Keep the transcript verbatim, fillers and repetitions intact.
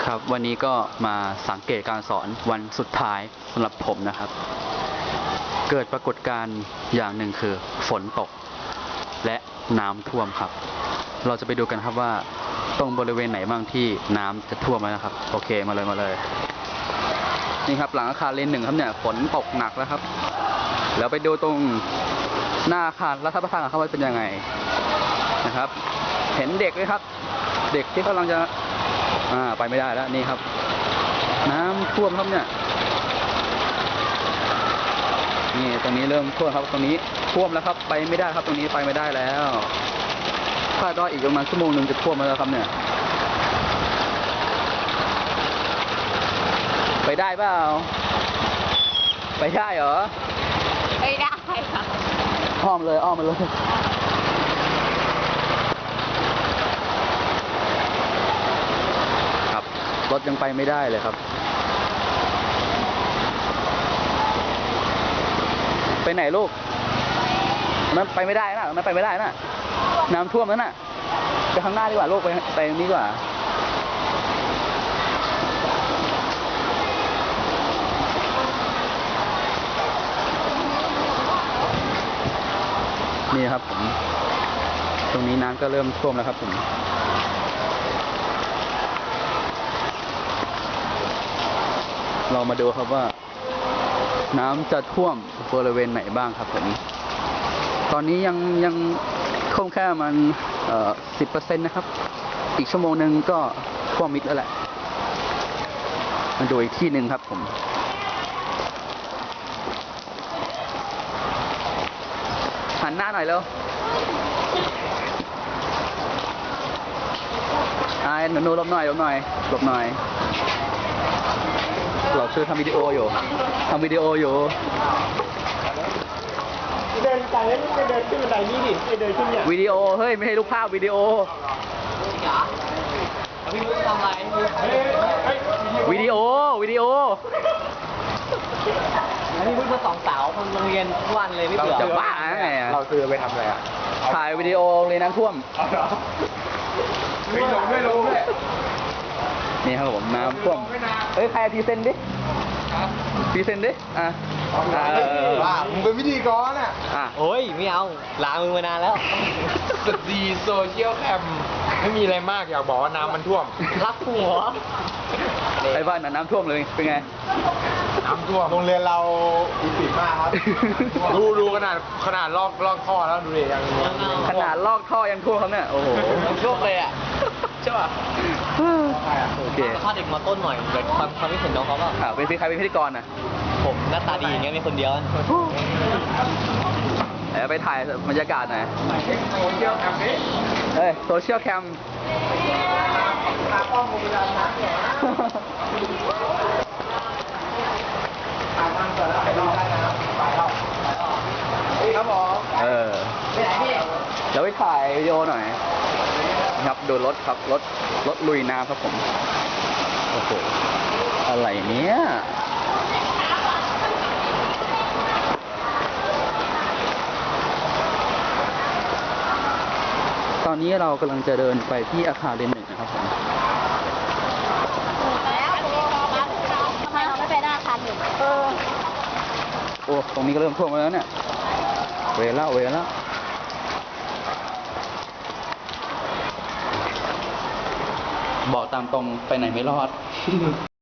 ครับวันนี้ก็มาสังเกตการสอนวันสุดท้ายสำหรับผมนะครับ เกิดปรากฏการณ์อย่างหนึ่งคือฝนตกและน้ำท่วมครับ เราจะไปดูกันครับว่าตรงบริเวณไหนบ้างที่น้ำจะท่วมแล้วนะครับโอเคมาเลยมาเลยนี่ครับหลังอาคารเลนหนึ่งครับเนี่ยฝนตกหนักแล้วครับแล้วไปดูตรงหน้าอาคารรัฐประทานครับว่าเป็นยังไงนะครับเห็นเด็กไหมครับเด็กที่กำลังจะอ่าไปไม่ได้แล้วนี่ครับน้ำท่วมครับเนี่ยนี่ตรงนี้เริ่มท่วมครับตรงนี้ท่วมแล้วครับไปไม่ได้ครับตรงนี้ไปไม่ได้แล้วคาดว่าอีกประมาณชั่วโมงหนึ่งจะท่วมแล้วครับเนี่ยไปได้เปล่าไปได้เหรอไม่ได้ค่ะอ้อมเลยอ้อมมาเลยครับรถยังไปไม่ได้เลยครับไปไหนลูกมันไปไม่ได้นะมันไปไม่ได้นะน้ำท่วมแล้วน่ะไปข้างหน้าดีกว่าลูกไปไปตรงนี้ดีกว่านี่ครับผมตรงนี้น้ำก็เริ่มท่วมแล้วครับผมเรามาดูครับว่าน้ำจะท่วมบริเวณไหนบ้างครับผมตอนนี้ยังยังท่วมแค่มันเอ่อสิบเปอร์เซ็นต์นะครับอีกชั่วโมงหนึ่งก็ท่วมมิดแล้วแหละมาดูอีกที่หนึ่งครับผมหันหน้าหน่อยเร็วอ่าหนูหลบหน่อยหลบหน่อยหลบหน่อยเราช่วยทำวิดีโออยู่ทำวิดีโออยู่เดินไปแล้วไม่เดินขึ้นบันไดนี่ดิไม่เดินขึ้นเนี่ยวิดีโอเฮ้ยไม่ให้รูปภาพวิดีโอพี่มุกทำอะไรวิดีโอวิดีโออันนี้มุกมาสองสาวคนโรงเรียนทุกวันเลยไม่เบื่อจะบ้าไงเราซื้อไปทำอะไรอ่ะถ่ายวิดีโอเลยน้ำท่วมไม่ลงไม่ลงเลยนี่ครับผมน้ำท่วมเฮ้ยใครพรีเซนต์ดิพรีเซนต์ดิอ่ะว่ามึงเป็นพิธีกรอ่ะอ่ะโอ้ยไม่เอาล้างมือมานานแล้วสตรีโซเชียลแคมไม่มีอะไรมากอยากบอกว่าน้ำมันท่วมรักหัวไอ้บ้านน่ะน้ำท่วมเลยเป็นไงน้ำท่วมโรงเรียนเราอีปิดมากครับดูดูขนาดขนาดลอกลอกท่อแล้วดูดิยังขนาดลอกท่อยังท่วมครับเนี่ยโอ้โหท่วมเลยอ่ะใช่ป่ะโอเคถ้าเด็กมาต้นหน่อยเด็กความความคิดเห็นน้องเขาเปล่าอ่าเป็นใครเป็นพิธีกรน่ะผมหน้าตาดีอย่างเงี้ยมีคนเดียวเดี๋ยวไปถ่ายบรรยากาศหน่อยโซเชียลแคมนี้เฮ้ยโซเชียลแคมตากล้องกูไปดันนะตากล้องเสร็จแล้วไปรอได้นะไปแล้วครับผมเออเดี๋ยวไปถ่ายวิดีโอหน่อยครับดูรถครับรถรถลุยน้ำครับผมโอ้โหอะไรเนี้ยตอนนี้เรากำลังจะเดินไปที่อาคารเรียนหนึ่งนะครับผมแล้วทำไมเราไม่ไปหน้าอาคารหนึ่งเออโอ้ตรงนี้ก็เริ่มท่วมแล้วเนี่ยเวล่าเวล่าบอกตามตรงไปไหนไม่รอด